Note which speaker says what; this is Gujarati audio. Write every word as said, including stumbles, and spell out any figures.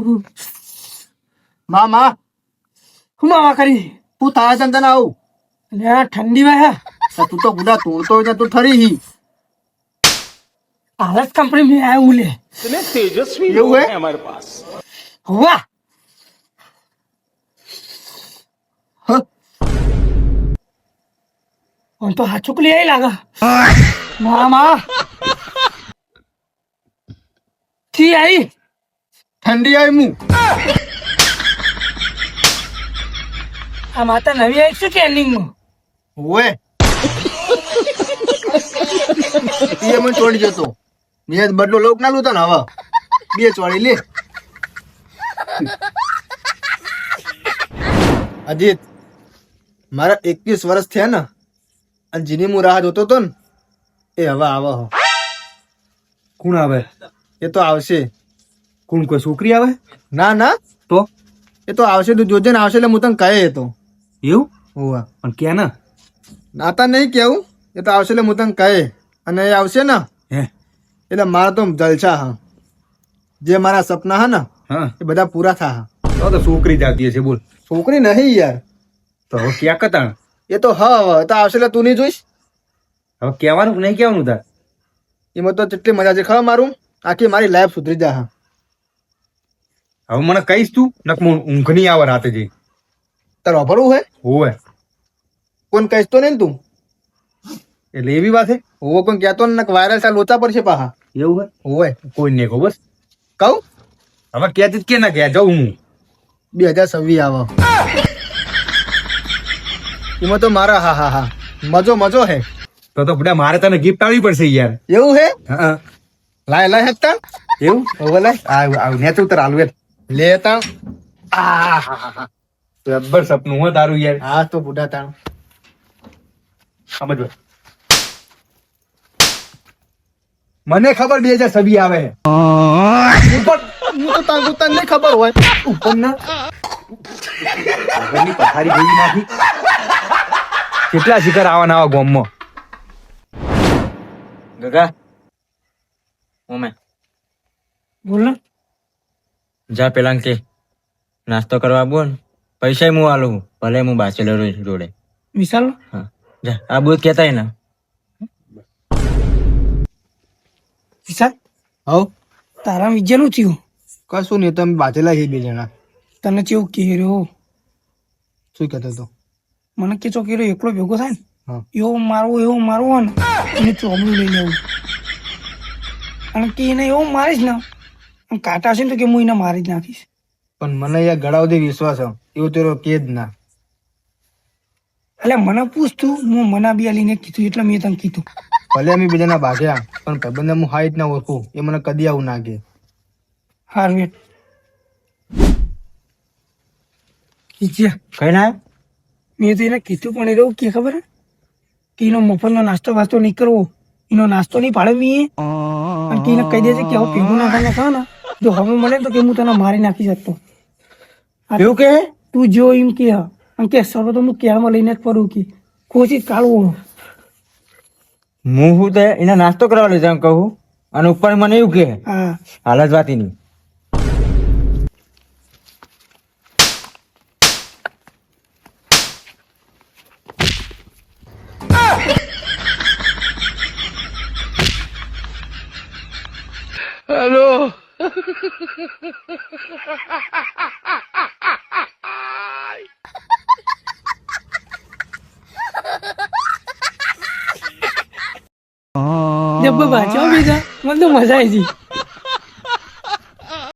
Speaker 1: માં માં
Speaker 2: હું માવા કરી
Speaker 1: તું થાય છે તને આવું
Speaker 2: અલ્યા ઠંડી વાય
Speaker 1: તું તો ગુડા તોડતો હોય તું ઠરી હી
Speaker 2: હાલત કંપની में आया हूँ ले
Speaker 3: इतने तेजस्वी
Speaker 1: ये
Speaker 3: लोग
Speaker 1: हुए?
Speaker 3: हैं हमारे पास
Speaker 2: हुआ
Speaker 1: હ
Speaker 2: और तो हाथ चुक लिया ही लगा मामा थी आई
Speaker 1: ઠંડી આવી હું
Speaker 2: આ માતા નવી આવી શું ટ્રેનિંગ માં
Speaker 1: ઓએ એ મને ચોડી જતો મેં બદલો લોક ના લૂતા ને હવે બે ચોડી લે અજીત મારા એકવીસ વર્ષ થયા ને અને જેની હું રાહ જોતો તો ને એ હવે આવે હો
Speaker 4: કોણ આવે?
Speaker 1: એ તો આવશે
Speaker 4: કોણ? કોઈ છોકરી આવે?
Speaker 1: ના ના
Speaker 4: તો
Speaker 1: એ તો આવશે તું જોજે ને આવશે એટલે હું તને કહે એ તો
Speaker 4: એવું?
Speaker 1: હોવા
Speaker 4: પણ ક્યાં ના?
Speaker 1: નાતા નહીં કેવું એ તો આવશે એટલે હું તને કહે અને એ આવશે ને
Speaker 4: હે
Speaker 1: એટલે મારા તો જલસા હા જે મારા સપના હા ને
Speaker 4: હા
Speaker 1: એ બધા પૂરા થા હા
Speaker 4: તો તો છોકરી જાતી હશે. બોલ.
Speaker 1: છોકરી નહીં યાર
Speaker 4: તો હવે ક્યાં કતાણ?
Speaker 1: એ તો હા હવે તો આવશે એટલે તું નહીં જોઈશ
Speaker 4: હવે કહેવાનું કે નહીં કહેવાનું તાર?
Speaker 1: એમાં તો કેટલી મજા છે ખબર મારું આખી મારી લાઈફ સુધરી જા હા
Speaker 4: હવે મને કહીશ તું નક મને ઊંઘ નહીં આવે રાતે જઈ.
Speaker 1: તારે વાપરવું હોય
Speaker 4: હોવે
Speaker 1: કોણ કહીશ તો નહીં ને તું
Speaker 4: એટલે એવી વાત છે?
Speaker 1: હોવો કોઈ કહેતો ને વાયરલ સા લોચા પડશે પાહા
Speaker 4: એવું હોય?
Speaker 1: હોવે
Speaker 4: કોઈ નહીં કહો બસ.
Speaker 1: કહું
Speaker 4: હવે કહેતી જ કે ના કહે જાઉં હું.
Speaker 1: બે હજાર છવ્વીસ આવે એમાં તો મારા હા હા હા મજો મજો હે
Speaker 4: તો તો બધા મારે તને ગિફ્ટ આવી પડશે યાર.
Speaker 1: એવું હે
Speaker 4: હા
Speaker 1: લાય લાય હેતા
Speaker 4: એવું?
Speaker 1: હોવે લાય
Speaker 4: આવ આવ નેચ ઉતર હાલવે.
Speaker 1: લેતા આ હા હા હા
Speaker 4: જબ્બર સપનું હો તારું યાર.
Speaker 1: હા તો બુઢા તાણ
Speaker 4: સમજ. મને ખબર બે હજાર છવ્વીસ આવે છે.
Speaker 1: ઉપર હું તો તાંગુ તને નહીં ખબર હોય
Speaker 4: ઉપર ના આગળની પથારી ભેગી નાખી. કેટલા શિખર આવવાના આવા ગોમમાં.
Speaker 5: ગગા ઓમે
Speaker 2: બોલ ને
Speaker 5: જા પેલા કે નાસ્તો કરવા બોલ પૈસા હું આલું ભલે હું બાચેલર જોડે
Speaker 2: વિશાલ
Speaker 5: હા જા આ બધું કેતા ને
Speaker 2: વિશાલ
Speaker 1: હવ
Speaker 2: તારા વિજયનું થયું
Speaker 1: કશું નહીં તમે બાજેલા છે બે જણા
Speaker 2: તને કેવું કેર્યો
Speaker 1: શું કહેતો હતો
Speaker 2: મને કે ચોકેરો એકલો ભેગો થાય ને
Speaker 1: હા
Speaker 2: એવો મારવો એવો મારવો ને એને ચોબલું લઈ લેવું અને કે એને એવો મારીશ ને આમ કાંટા હશે ને તો કે હું એને મારી જ નાખીશ
Speaker 1: પણ મને યાર ગળા સુધી વિશ્વાસ છે એવું તેરો કે જ ના
Speaker 2: એટલે મને પૂછતું હું મના બી લઈને કીધું એટલે મેં તને કીધું
Speaker 1: ભલે અમે બીજાના ભાગ્યા પણ ભાઈબંધને હું હાઈટ ના ઓળખું એ મને કદી આવું ના કે
Speaker 2: હાર વેટ કીધ્યા
Speaker 5: કઈ ના
Speaker 2: મેં તો એને કીધું પણ એ રહું કે ખબર હે? કે એનો મફતનો નાસ્તો વાસ્તો નહીં કરવો એનો નાસ્તો નહીં પાડે મી અને કે એને કહી દેજે કે હવે ભેગું ના ખાને ખા ને જો હવે મળે તો કે હું તને મારી નાખી શકતો
Speaker 5: એવું કે
Speaker 2: તું જો એમ કે હા અને કે સરો તો હું કેળમાં લઈને જ પડું કે કોશિશ કાઢવું
Speaker 5: હું હું તો એને નાસ્તો કરવા લઈ જાઉં કહું અને ઉપર મને એવું કે
Speaker 2: હા
Speaker 5: હાલ જ વાતી નહીં
Speaker 2: જબ્બર બાચો બીજા મને તો મજા આવી ગઈ